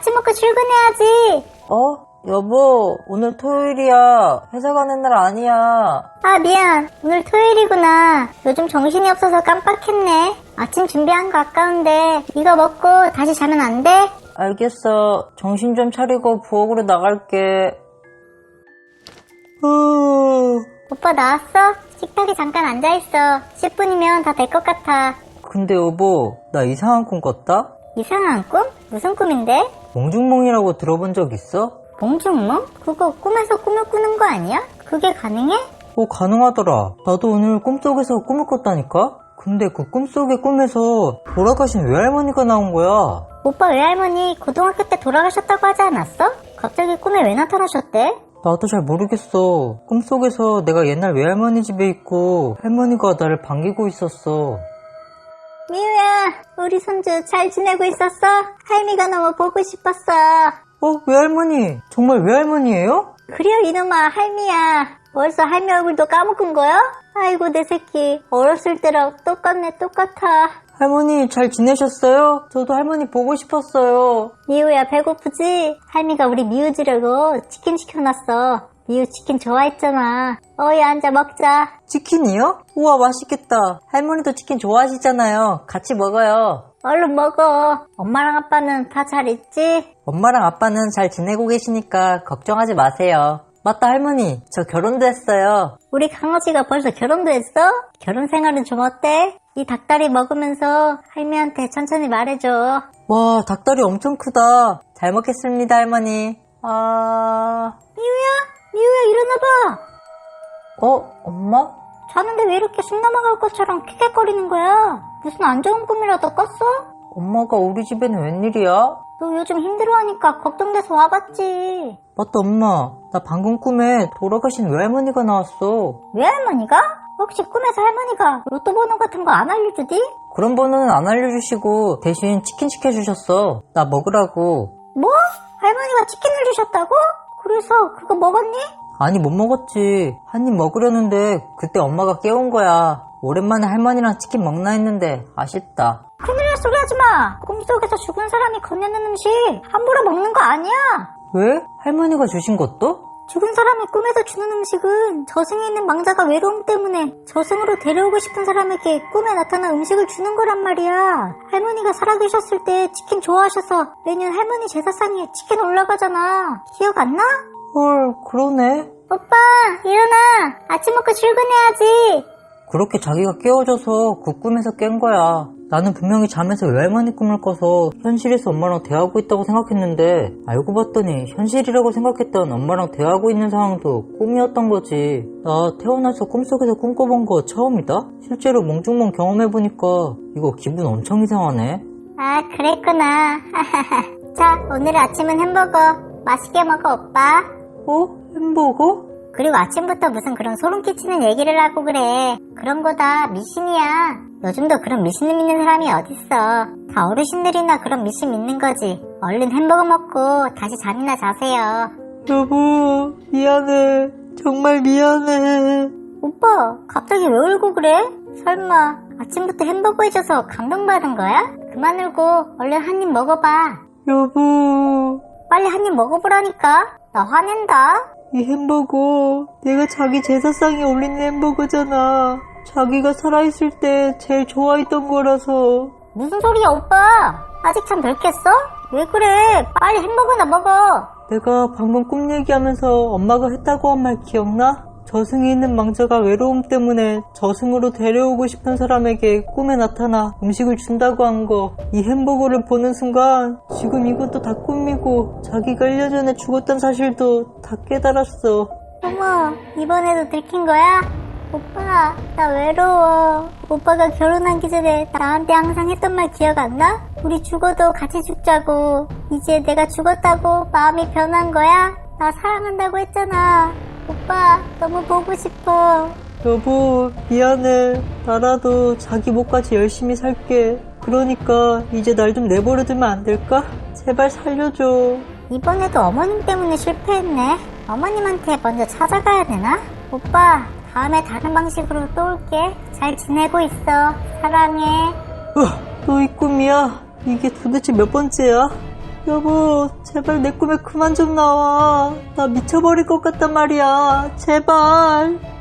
아침 먹고 출근해야지. 여보, 오늘 토요일이야. 회사 가는 날 아니야. 아, 미안. 오늘 토요일이구나. 요즘 정신이 없어서 깜빡했네. 아침 준비한 거 아까운데 이거 먹고 다시 자면 안 돼? 알겠어. 정신 좀 차리고 부엌으로 나갈게. 오빠 나왔어? 식탁에 잠깐 앉아있어. 10분이면 다 될 것 같아. 근데 여보, 나 이상한 꿈 꿨다? 이상한 꿈? 무슨 꿈인데? 몽중몽이라고 들어본 적 있어? 몽중몽? 그거 꿈에서 꿈을 꾸는 거 아니야? 그게 가능해? 가능하더라. 나도 오늘 꿈속에서 꿈을 꿨다니까? 근데 그 꿈속의 꿈에서 돌아가신 외할머니가 나온 거야. 오빠 외할머니 고등학교 때 돌아가셨다고 하지 않았어? 갑자기 꿈에 왜 나타나셨대? 나도 잘 모르겠어. 꿈속에서 내가 옛날 외할머니 집에 있고 할머니가 나를 반기고 있었어. 미우야, 우리 손주 잘 지내고 있었어? 할미가 너무 보고 싶었어. 외할머니? 정말 외할머니예요? 그래요 이놈아, 할미야. 벌써 할미 얼굴도 까먹은 거야? 아이고 내 새끼, 어렸을 때랑 똑같네. 똑같아. 할머니 잘 지내셨어요? 저도 할머니 보고 싶었어요. 미우야, 배고프지? 할미가 우리 미우 주려고 치킨 시켜놨어. 미우 치킨 좋아했잖아. 어이, 앉아 먹자. 치킨이요? 우와, 맛있겠다. 할머니도 치킨 좋아하시잖아요. 같이 먹어요. 얼른 먹어. 엄마랑 아빠는 다 잘 있지? 엄마랑 아빠는 잘 지내고 계시니까 걱정하지 마세요. 맞다, 할머니. 저 결혼도 했어요. 우리 강아지가 벌써 결혼도 했어? 결혼 생활은 좀 어때? 이 닭다리 먹으면서 할미한테 천천히 말해줘. 와, 닭다리 엄청 크다. 잘 먹겠습니다, 할머니. 미우야 일어나봐. 엄마? 자는데 왜 이렇게 숨 넘어갈 것처럼 킥킥거리는 거야? 무슨 안 좋은 꿈이라도 꿨어? 엄마가 우리 집에는 웬일이야? 너 요즘 힘들어하니까 걱정돼서 와봤지. 맞다, 엄마. 나 방금 꿈에 돌아가신 외할머니가 나왔어. 외할머니가? 혹시 꿈에서 할머니가 로또 번호 같은 거 안 알려주디? 그런 번호는 안 알려주시고 대신 치킨 시켜주셨어. 나 먹으라고. 뭐? 할머니가 치킨을 주셨다고? 그래서 그거 먹었니? 아니, 못 먹었지. 한 입 먹으려는데 그때 엄마가 깨운 거야. 오랜만에 할머니랑 치킨 먹나 했는데 아쉽다. 큰일 날 소리 하지 마. 꿈속에서 죽은 사람이 건네는 음식 함부로 먹는 거 아니야. 왜? 할머니가 주신 것도? 죽은 사람이 꿈에서 주는 음식은 저승에 있는 망자가 외로움 때문에 저승으로 데려오고 싶은 사람에게 꿈에 나타난 음식을 주는 거란 말이야. 할머니가 살아계셨을 때 치킨 좋아하셔서 매년 할머니 제사상에 치킨 올라가잖아. 기억 안 나? 헐, 그러네. 오빠, 일어나. 아침 먹고 출근해야지. 그렇게 자기가 깨워져서 그 꿈에서 깬 거야. 나는 분명히 잠에서 외할머니 꿈을 꿔서 현실에서 엄마랑 대화하고 있다고 생각했는데 알고 봤더니 현실이라고 생각했던 엄마랑 대화하고 있는 상황도 꿈이었던 거지. 나 태어나서 꿈속에서 꿈꿔본 거 처음이다? 실제로 몽중몽 경험해보니까 이거 기분 엄청 이상하네. 아, 그랬구나. 자, 오늘 아침은 햄버거. 맛있게 먹어, 오빠. 햄버거? 그리고 아침부터 무슨 그런 소름 끼치는 얘기를 하고 그래. 그런 거 다 미신이야. 요즘도 그런 미신을 믿는 사람이 어딨어. 다 어르신들이나 그런 미신 믿는 거지. 얼른 햄버거 먹고 다시 잠이나 자세요. 여보, 미안해. 정말 미안해. 오빠, 갑자기 왜 울고 그래? 설마 아침부터 햄버거 해줘서 감동받은 거야? 그만 울고 얼른 한 입 먹어봐. 여보, 빨리 한 입 먹어보라니까. 나 화낸다. 이 햄버거 내가 자기 제사상에 올리는 햄버거잖아. 자기가 살아있을 때 제일 좋아했던 거라서. 무슨 소리야, 오빠? 아직 참 덜 깼어? 왜 그래? 빨리 햄버거나 먹어. 내가 방금 꿈 얘기하면서 엄마가 했다고 한 말 기억나? 저승에 있는 망자가 외로움 때문에 저승으로 데려오고 싶은 사람에게 꿈에 나타나 음식을 준다고 한 거. 이 햄버거를 보는 순간 지금 이것도 다 꿈이고 자기가 1년 전에 죽었던 사실도 다 깨달았어. 어머, 이번에도 들킨 거야? 오빠, 나 외로워. 오빠가 결혼하기 전에 나한테 항상 했던 말 기억 안 나? 우리 죽어도 같이 죽자고. 이제 내가 죽었다고 마음이 변한 거야? 나 사랑한다고 했잖아. 오빠, 너무 보고 싶어. 여보, 미안해. 나라도 자기 목까지 열심히 살게. 그러니까 이제 날 좀 내버려두면 안 될까? 제발 살려줘. 이번에도 어머님 때문에 실패했네. 어머님한테 먼저 찾아가야 되나? 오빠, 다음에 다른 방식으로 또 올게. 잘 지내고 있어. 사랑해. 또 이 꿈이야? 이게 도대체 몇 번째야? 여보, 제발 내 꿈에 그만 좀 나와. 나 미쳐버릴 것 같단 말이야. 제발.